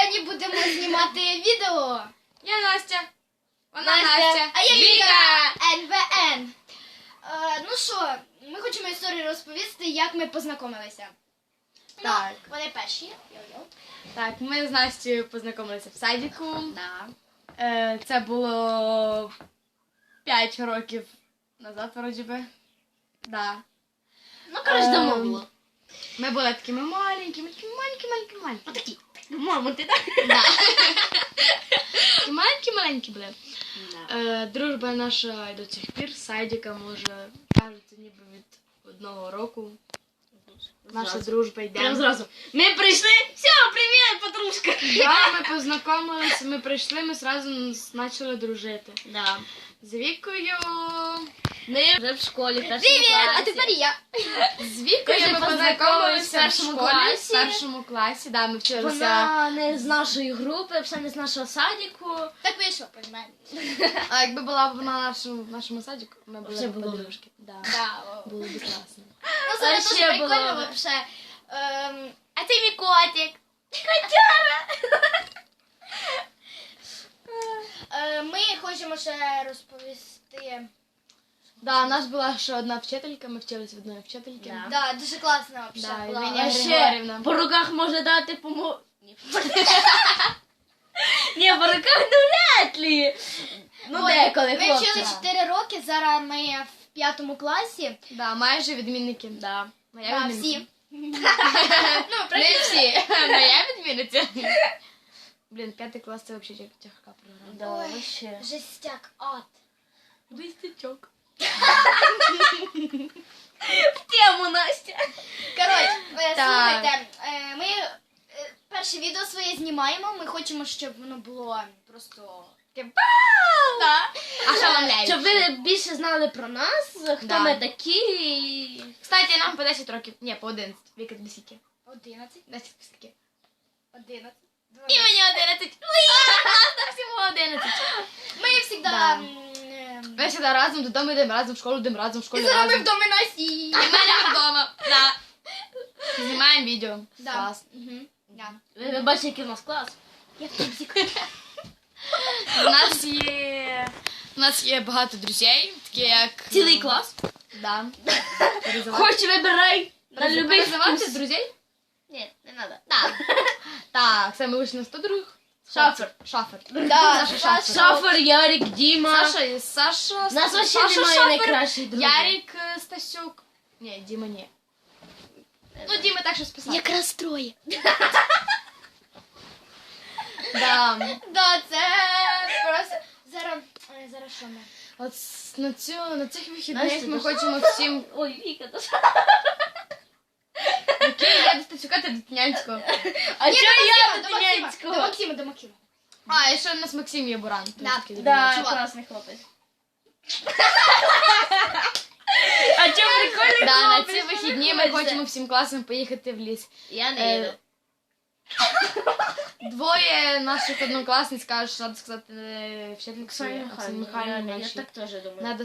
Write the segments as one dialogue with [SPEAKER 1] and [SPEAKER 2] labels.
[SPEAKER 1] сьогодні будемо знімати відео.
[SPEAKER 2] Я Настя. Вона Настя.
[SPEAKER 1] А я
[SPEAKER 2] Віка.
[SPEAKER 1] НВН. Ну що, ми хочемо історію розповісти, як ми познайомилися.
[SPEAKER 2] Так.
[SPEAKER 1] Ну, вони перші. Йо-йо.
[SPEAKER 2] Так, ми з Настю познайомилися в садіку.
[SPEAKER 1] Да.
[SPEAKER 2] Це було 5 років назад, вроді би. Да.
[SPEAKER 1] Ну, коротше, давно
[SPEAKER 2] Ем,
[SPEAKER 1] було.
[SPEAKER 2] Ми були такими маленькими.
[SPEAKER 1] Отакі. Мамо, ти так?
[SPEAKER 2] Да. Такі маленькі були. Дружба наша і до цих пір з садика, може, кажеться, ніби від 1 року. Наша дружба йде.
[SPEAKER 1] Прям зразу. Ми прийшли. Все, привіт, подружка.
[SPEAKER 2] Да, ми познайомилися, ми прийшли, ми одразу почали дружити.
[SPEAKER 1] Да.
[SPEAKER 2] З Вікою...
[SPEAKER 1] Ми вже в школі.
[SPEAKER 2] Привіт, а тепер
[SPEAKER 1] я.
[SPEAKER 2] З Вікою
[SPEAKER 1] Ми
[SPEAKER 2] ми
[SPEAKER 1] познайомились
[SPEAKER 2] познайомилися в
[SPEAKER 1] в першому
[SPEAKER 2] школі,
[SPEAKER 1] класі.
[SPEAKER 2] в першому класі, да, ми вчилися.
[SPEAKER 1] Вона не з нашої групи, все не з нашого садіку. Так вийшло, розумієте.
[SPEAKER 2] А якби була б вона в нашому садіку, ми були
[SPEAKER 1] Вже
[SPEAKER 2] б
[SPEAKER 1] було.
[SPEAKER 2] подружки. Да.
[SPEAKER 1] Да.
[SPEAKER 2] Було б класно.
[SPEAKER 1] Ну, це
[SPEAKER 3] ще
[SPEAKER 1] дуже
[SPEAKER 3] було.
[SPEAKER 1] прикольно вообще. А це мій котик. Котяра. Ми хочемо ще розповісти.
[SPEAKER 2] Да, у нас була ще одна вчителька, ми вчилися в одної вчительки.
[SPEAKER 1] Да. Да, дуже класно вообще
[SPEAKER 2] Да,
[SPEAKER 1] була.
[SPEAKER 2] Євгенія
[SPEAKER 1] А ще-
[SPEAKER 2] Григорівна.
[SPEAKER 3] По руках може дати помо... Ні, по руках вряд ли. Ну,
[SPEAKER 1] Ой,
[SPEAKER 3] деколи,
[SPEAKER 1] Ми
[SPEAKER 3] хлопці.
[SPEAKER 1] вчили 4 роки, зараз ми в 5 класі.
[SPEAKER 2] Да, майже відмінники.
[SPEAKER 3] Да.
[SPEAKER 2] Моя
[SPEAKER 1] Да,
[SPEAKER 2] відмінниця.
[SPEAKER 1] всі. Ну,
[SPEAKER 2] Не всі. Моя відмінниця. Блін, 5 клас це взагалі тяжка програма.
[SPEAKER 3] Да,
[SPEAKER 1] Ой.
[SPEAKER 3] вообще.
[SPEAKER 1] Жестяк, ад.
[SPEAKER 2] Вистячок.
[SPEAKER 3] В тему, Настя.
[SPEAKER 1] Коротше,
[SPEAKER 2] Так.
[SPEAKER 1] слухайте, ми перше відео своє знімаємо, ми хочемо, щоб воно було просто... Да.
[SPEAKER 2] Ошеломляюче.
[SPEAKER 3] Щоб ви більше знали про нас, хто
[SPEAKER 2] Да.
[SPEAKER 3] ми такі.
[SPEAKER 2] Кстати, нам по 10 років. Ні, по 11. Віка, тобі скільки?
[SPEAKER 1] 11,
[SPEAKER 2] 10 скільки?
[SPEAKER 1] 11,
[SPEAKER 2] І мені 11. Класно, всього 11.
[SPEAKER 1] Ми завжди...
[SPEAKER 2] Да. Ми завжди разом додому йдемо, разом в школу йдемо, разом в
[SPEAKER 1] І
[SPEAKER 2] школі
[SPEAKER 1] зараз ми
[SPEAKER 2] разом.
[SPEAKER 1] в домі Насі.
[SPEAKER 2] І в мене вдома. Да. Знімаємо відео.
[SPEAKER 1] Да.
[SPEAKER 2] Клас.
[SPEAKER 1] Мгм. Да.
[SPEAKER 3] Ви бачите, який у нас клас.
[SPEAKER 1] Я в типсик.
[SPEAKER 2] У нас є багато друзей, такі як...
[SPEAKER 3] Цілий клас.
[SPEAKER 2] Да.
[SPEAKER 3] Хоч вибирай на любий
[SPEAKER 2] Перезивати
[SPEAKER 3] вкус.
[SPEAKER 2] друзей?
[SPEAKER 3] Ні, не треба.
[SPEAKER 2] Так. Так, це ми вийшли на 100 друг.
[SPEAKER 3] Шафер.
[SPEAKER 2] Шафер.
[SPEAKER 1] Да,
[SPEAKER 2] Саша Шафер.
[SPEAKER 3] Шафер, Ярик, Діма.
[SPEAKER 2] Саша.
[SPEAKER 3] У нас вообще
[SPEAKER 2] Саша
[SPEAKER 3] немає
[SPEAKER 2] Шафер,
[SPEAKER 3] найкращих друзів.
[SPEAKER 2] Ярик Стасюк. Ні, Діма ні. Ну, Діма так щось писав.
[SPEAKER 1] Якраз троє.
[SPEAKER 2] Да.
[SPEAKER 1] Да, це просто... Зараз що ми?
[SPEAKER 2] От на цих вихідних
[SPEAKER 3] Настя,
[SPEAKER 2] ми
[SPEAKER 3] ти
[SPEAKER 2] хочемо всім...
[SPEAKER 3] Ой, Віка, то що?
[SPEAKER 2] Окей, я до Стасюка, ти до Тнянського.
[SPEAKER 3] А чого я
[SPEAKER 1] До
[SPEAKER 3] до
[SPEAKER 1] Максима,
[SPEAKER 3] Тинянського?
[SPEAKER 1] до Максима, до Максима.
[SPEAKER 2] А, і ще у нас Максим є Буран.
[SPEAKER 1] Да.
[SPEAKER 3] Да,
[SPEAKER 1] Чувак.
[SPEAKER 3] класний хлопець. А чого прикольний
[SPEAKER 2] Да, на
[SPEAKER 3] хлопець?
[SPEAKER 2] ці
[SPEAKER 3] що
[SPEAKER 2] вихідні
[SPEAKER 3] ви
[SPEAKER 2] ми
[SPEAKER 3] хочете?
[SPEAKER 2] хочемо всім класом поїхати в ліс.
[SPEAKER 3] Я не їду.
[SPEAKER 2] Двоє наших однокласниць кажуть, що треба сказати вчительці
[SPEAKER 3] Оксані
[SPEAKER 2] Оксані
[SPEAKER 3] Михайлівні,
[SPEAKER 2] Михайлівні
[SPEAKER 3] я
[SPEAKER 2] нашій.
[SPEAKER 3] так теж думаю.
[SPEAKER 2] Надо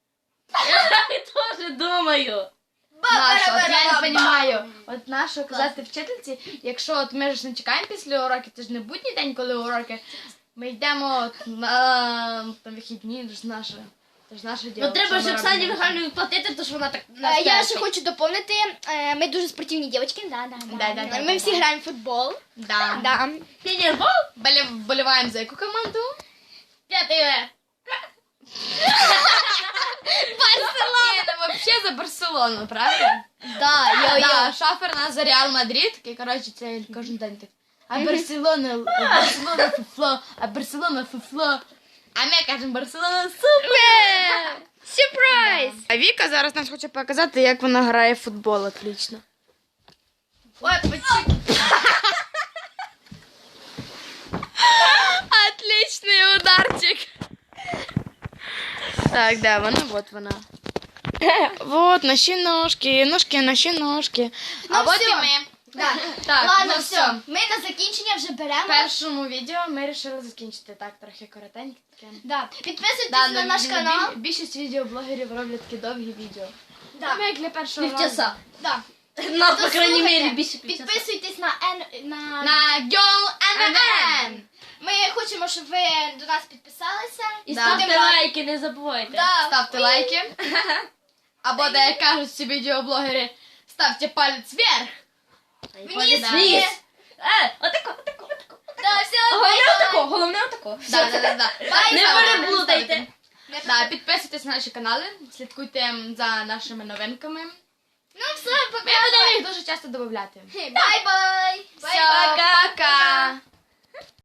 [SPEAKER 3] Я теж думаю.
[SPEAKER 2] нашу, от я не розумію. От нашу казати вчительці, якщо от ми ж не чекаємо після уроків, це ж не будній день, коли уроки, ми йдемо от на вихідні, це ж наше. Це ж наше діло.
[SPEAKER 3] Ну треба
[SPEAKER 2] що
[SPEAKER 3] ж
[SPEAKER 2] ми
[SPEAKER 3] Оксані
[SPEAKER 2] робимо.
[SPEAKER 3] Михайлівні платити, то що вона так
[SPEAKER 1] Я
[SPEAKER 3] нас
[SPEAKER 1] ще
[SPEAKER 3] терпить.
[SPEAKER 1] хочу доповнити, ми дуже спортивні дівчатки.
[SPEAKER 2] Да.
[SPEAKER 1] Ми всі граємо в футбол.
[SPEAKER 2] Да.
[SPEAKER 1] Да.
[SPEAKER 3] Пінірбол?
[SPEAKER 2] Вболіваємо за яку команду?
[SPEAKER 3] 5
[SPEAKER 2] Барселона! Ну, вообще за Барселону, правда?
[SPEAKER 1] Да,
[SPEAKER 2] Да, Шафер нас за Реал Мадрид, і, коротше, це кожен день так. А Барселона фуфло, а Барселона фуфло. А ми кажемо Барселона супер!
[SPEAKER 1] Сюрприз!
[SPEAKER 2] А Віка зараз нам хоче показати, як вона грає в футбол отлично. Ой, почекай. Отличный ударчик. Так, да, вона, вот вона. Вот, наші ножки, наші ножки. А
[SPEAKER 1] Ну,
[SPEAKER 2] от
[SPEAKER 1] всё.
[SPEAKER 2] і ми.
[SPEAKER 1] Да.
[SPEAKER 2] Так,
[SPEAKER 1] Ладно,
[SPEAKER 2] ну
[SPEAKER 1] все. Ми на закінчення вже
[SPEAKER 2] В
[SPEAKER 1] беремо.
[SPEAKER 2] першому відео ми вирішили закінчити так, трохи коротеньке таке.
[SPEAKER 1] Да. Підписуйтесь
[SPEAKER 2] Да,
[SPEAKER 1] на наш канал.
[SPEAKER 2] Більшість відеоблогерів роблять такі довгі відео.
[SPEAKER 1] Да.
[SPEAKER 2] Ми як для першого
[SPEAKER 3] Півчаса.
[SPEAKER 1] Да.
[SPEAKER 3] Ну, по крайней
[SPEAKER 1] Слухайте,
[SPEAKER 3] мере, більше 50.
[SPEAKER 1] Підписуйтесь на
[SPEAKER 2] На Girl NN.
[SPEAKER 1] Ми хочемо, щоб ви до нас підписалися.
[SPEAKER 3] І
[SPEAKER 2] Да.
[SPEAKER 3] ставте
[SPEAKER 1] Будемо-
[SPEAKER 3] лайки, не забувайте.
[SPEAKER 1] Да.
[SPEAKER 2] Ставте лайки. Або, де як кажуть всі відеоблогери, ставте палець вверх.
[SPEAKER 1] Вниз.
[SPEAKER 2] Да.
[SPEAKER 1] Вниз.
[SPEAKER 3] Отако.
[SPEAKER 1] Да, все,
[SPEAKER 3] Головне отако.
[SPEAKER 2] Да.
[SPEAKER 1] Бай,
[SPEAKER 3] Не
[SPEAKER 1] бай.
[SPEAKER 3] переплутайте.
[SPEAKER 2] Да, підписуйтесь на наші канали, слідкуйте за нашими новинками.
[SPEAKER 1] Ну все,
[SPEAKER 2] Ми
[SPEAKER 1] пока.
[SPEAKER 2] будемо їх дуже часто додавати.
[SPEAKER 1] Бай-бай.
[SPEAKER 2] Все, пока!